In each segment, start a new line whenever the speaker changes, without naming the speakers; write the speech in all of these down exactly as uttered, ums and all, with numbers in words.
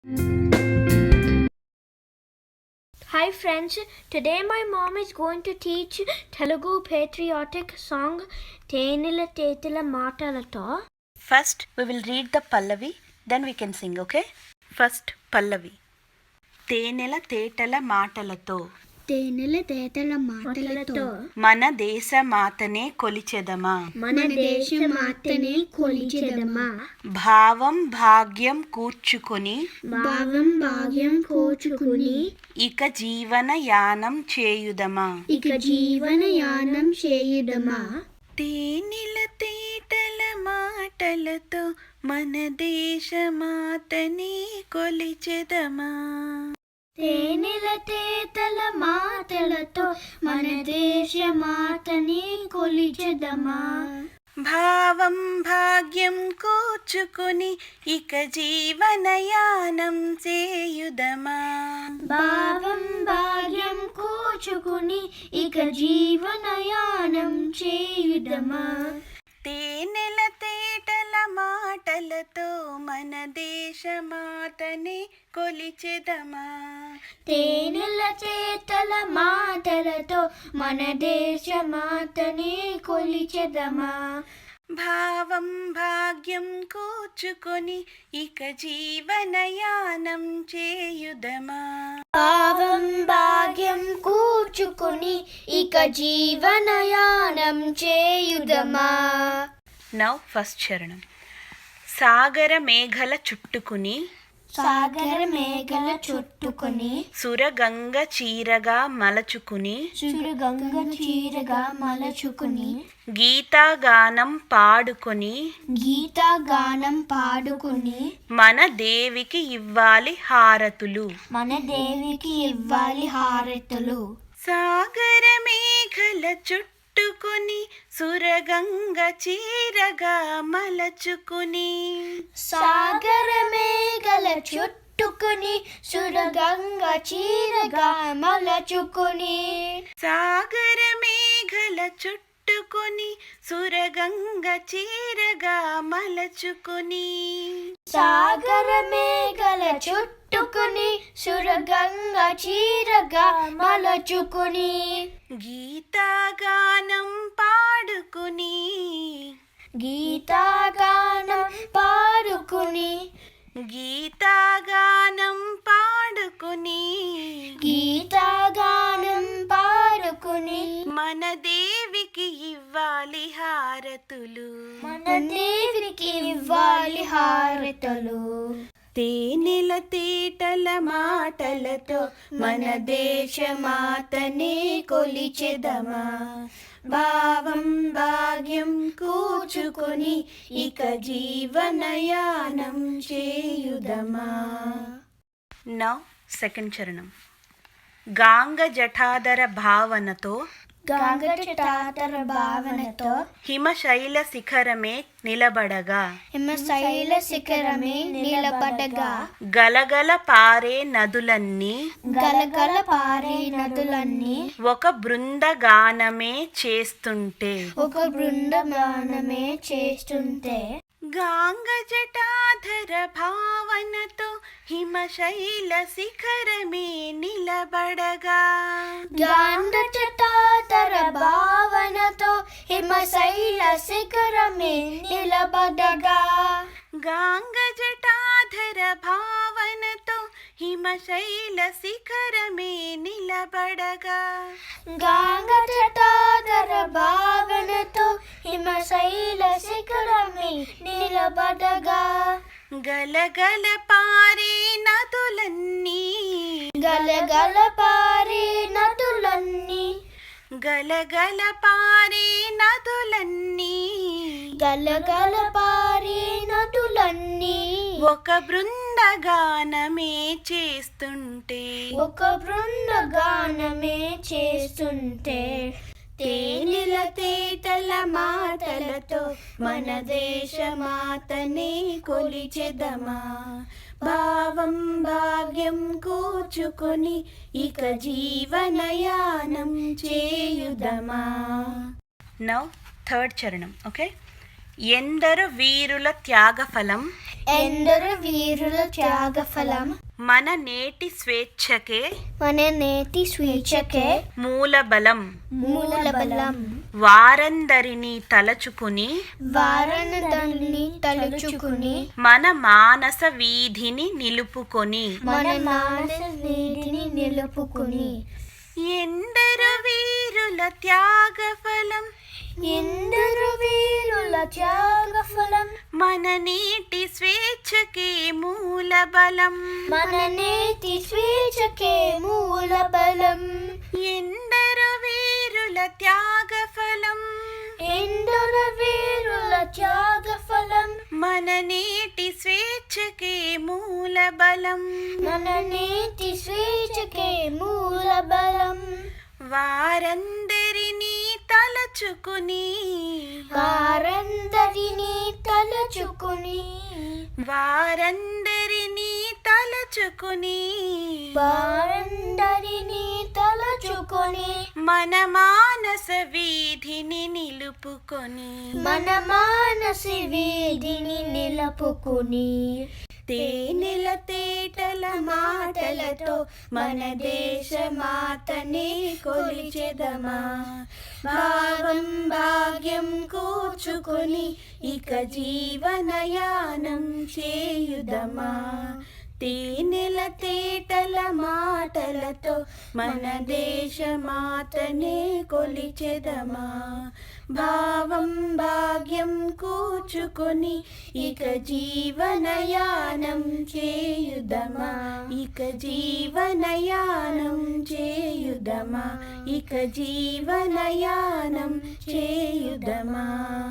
Hi friends, today my mom is going to teach Telugu patriotic song Tenila Tetila Matalato.
First we will read the Pallavi, then we can sing, okay? First Pallavi. తేనెల తేటల మాటలతో
తేనెల తేటల మాటలతో
మన దేశ మాతనే కొలిచెదమా
మన దేశ మాతనే కొలిచెదమా
భావం భాగ్యం కూర్చుకొని
భావం భాగ్యం కూర్చుకుని
ఇక జీవన యానం చేయుదమా
ఇక జీవన యానం చేయుదమా
తేనెల తేటల మాటలతో మన దేశ మాతనే కొలిచెదమా
తేనెల తేటల మాటలతో మన దేశ మాతని కొలిచెదమా
భావం భాగ్యం కూర్చుకుని ఇక జీవనయానం చేయుదమా
భావం భాగ్యం కూర్చుకుని ఇక జీవనయానం చేయుదమా
తేనెల తేటల మాటలతో మన దేశ మాతనే కొలిచెదమా
తేనెల చేతల మాటలతో మన దేశ మాతనే కొలిచెదమా
భావం భాగ్యం కూర్చుకొని ఇక జీవనయానం చేయుదమా
భావం భాగ్యం కూర్చుకుని ఇక జీవనయానం చేయుదమా
నౌ ఫస్ట్ చరణం. సాగర మేఘల చుట్టుకుని
సాగర మేఘల చుట్టుకుని
సురగంగ చీరగా మలచుకుని
సురగంగ చీరగా మలచుకుని
గీతాగానం పాడుకొని
గీతా గానం పాడుకుని
మన దేవికి ఇవ్వాలి హారతులు
మన దేవికి ఇవ్వాలి హారతులు
సాగర మేఘల చుట్టుకుని సురగంగ చీరగా మలచుకుని
సాగర మేఘల చుట్టుకుని సురగంగ చీరగా మలచుకుని
సాగర మేఘల చుట్టుకుని సురగంగ చీరగా మలచుకుని
సాగర మేఘల చుట్టుకుని సురగంగ చీరగా మలచుకుని
గీతాగానం పాడుకుని
గీతాగానం పాడుకుని
గీతాగానం పాడుకుని
గీతాగానం పాడుకుని
మన దేవికి ఇవ్వాలి హారతులు
మన దేవికి ఇవ్వాలి హారతులు
తేనెల తేటల మాటలతో మన దేశ మాతనే కొలిచెదమా భావం భాగ్యం కూర్చుకొని ఇక జీవనయానం చేయుదమా. నౌ సెకండ్ చరణం. గాంగ జఠాధర భావనతో
గంగటాతర భావనతో
హిమశైల శిఖరమే నిలబడగా
హిమశైల శిఖరమే నిలబడగా
గలగల పారే నదులన్నీ
గలగల పారే నదులన్నీ
ఒక బృందగానమే చేస్తుంటే
ఒక బృందమానమే చేస్తుంటే
గాంగ జటాధర భావనతో హిమశైల శిఖరమే నిలబడగా
గంగటాతర భావనతో హిమశైల శిఖరమే నిలబడగా
గాంగ జటాధర భావనతో హిమశైల శిఖరమే నిలబడగా
గంగటాతర భావనతో హిమశైల శిఖరమే నిలబడగా
గలగల పారే నదులన్నీ
గలగల పారే నదులన్నీ
గలగల పారే నదులన్నీ
గలగల పారే నదులన్నీ
ఒక బృందగానమే చేస్తుంటే
ఒక బృందగానమే చేస్తుంటే తేనెల తేటల మాటలతో మన దేశ మాతనే కొలిచెదమా భావం భాగ్యం కూర్చుకొని ఇక జీవనయానం చేయుదమా. నౌ థర్డ్ చరణం. ఓకే.
ఎందరు వీరుల త్యాగఫలం
ఎందరు వీరుల త్యాగఫలం
మన నేటి స్వేచ్ఛకే
మన నేటి స్వేచ్ఛకే
మూలబలం
మూలబలం
వారందరినీ తలచుకుని
వారందరినీ తలుచుకుని
మన మానస వీధిని నిలుపుకొని
మన మానస వీధిని నిలుపుకుని
ఎందరు వీరుల త్యాగఫలం
ఎందరు వీరుల త్యాగఫలం
మన నీటి స్వేచ్ఛకే మూలబలం
మన నేటి స్వేచ్ఛకే మూలబలం
ఎందరు వీరుల త్యాగఫలం
ఎందరు వీరుల త్యాగఫలం
మన నీటి స్వేచ్ఛకే మూలబలం
మన నేటి స్వేచ్ఛకే మూలబలం
వారందరినీ తలచుకుని
వారందరినీ తలచుకుని
వారందరినీ తలచుకుని
వారందరినీ తలచుకొని
మన మానస వీధిని నిలుపుకొని
మన మానస వీధిని నిలుపుకుని తేనెల తేటల మాటలతో మన దేశ మాతని కొలిచెదమా భావం భాగ్యం కూర్చుకొని ఇక జీవనయానం చేయుదమా తేనెల తేటల మాటలతో మన దేశ మాతనే కొలిచెదమా భావం భాగ్యం కూర్చుకొని ఇక జీవనయానం చేయుదమా ఇక జీవనయానం చేయుదమా ఇక జీవనయానం చేయుదమా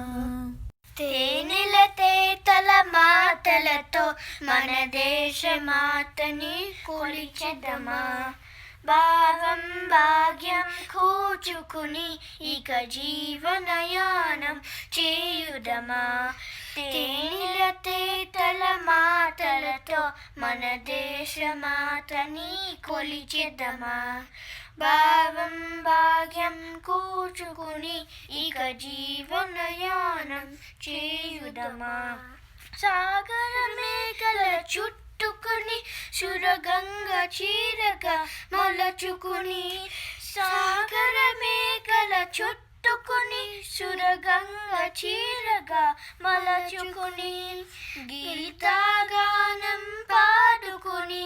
తేనెల తేటల మాటలతో మన దేశ మాతని కొలిచెదమా భావం భాగ్యం కూర్చుకుని ఇక జీవనయానం చేయుదమా తేనెల తేటల మాటలతో మన దేశ మాతని కొలిచెదమా భావం భాగ్యం కూర్చుకుని ఇక జీవనయానం చేయుదమా సాగర మేఘల చుట్టుకుని సురగంగ చీరగా మలచుకుని సాగర మేఘల చుట్టుకుని సురగంగ చీరగా మలచుకుని గీతాగానం పాడుకుని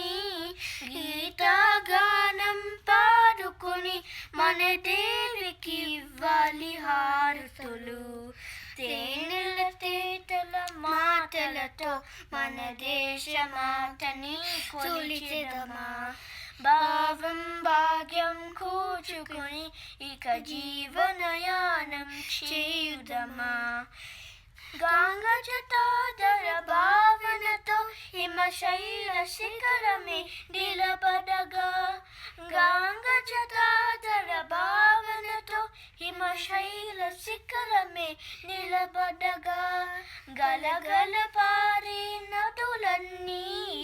గీతాగానం పాడుకుని మన దేవికి ఇవ్వాలి హారతులు తేనెల తేటల మాటలతో మన దేశ మాతని కొలిచెదమా భావం భాగ్యం కూర్చుకుని ఇక జీవనయానం చేయుదమా గంగ జటాధర భావనతో హిమశైల శిఖరమే నిలబడగా గంగ జటాధర భావనతో హిమశైల శిఖరమే నిలబడగా గలగల పారే నదులన్నీ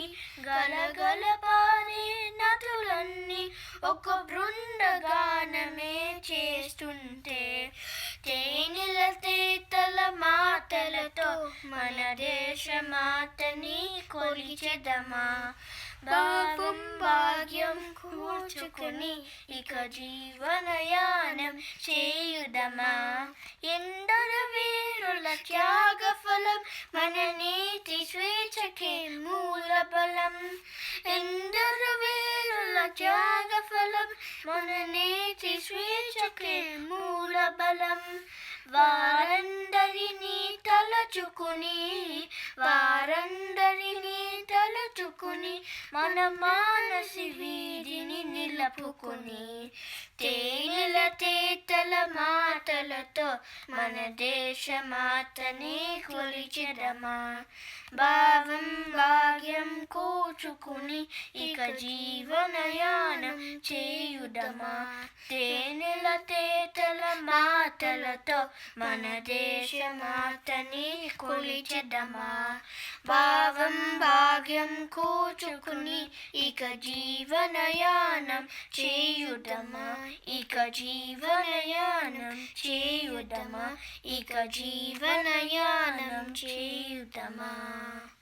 గలగల పారే నదులన్నీ ఒక బృందగానమే చేస్తుంటే తేనెల తేటల మాటలతో మన దేశ మాతని కొలిచెదమా భావం భాగ్యం కూర్చుకుని ఇక జీవనయానం చేయుదమా ఎందరు వీరుల త్యాగఫలం మన నీతి స్వేచ్ఛకే మూలబలం ఎందరు వీరుల త్యాగఫలం మన నీతి స్వేచ్ఛకే మూలబలం వారందరినీ తలచుకుని వారందరినీ తలచుకుని మన మానసి వీధిని నిలుపుకుని తేనెల తేటల మాటలతో మన దేశ మాతని కొలిచెదమా భావం భాగ్యం కూర్చుకుని ఇక జీవనయానం చేయుదమా తేనెల తేటల మాటలతో మన దేశ మాతని కొలిచెదమా భావం భాగ్యం కూర్చుకుని ఇక జీవనయానం చేయుదమా ఇక జీవనయానం చేయుదమా ఇక జీవనయానం చేయుదమా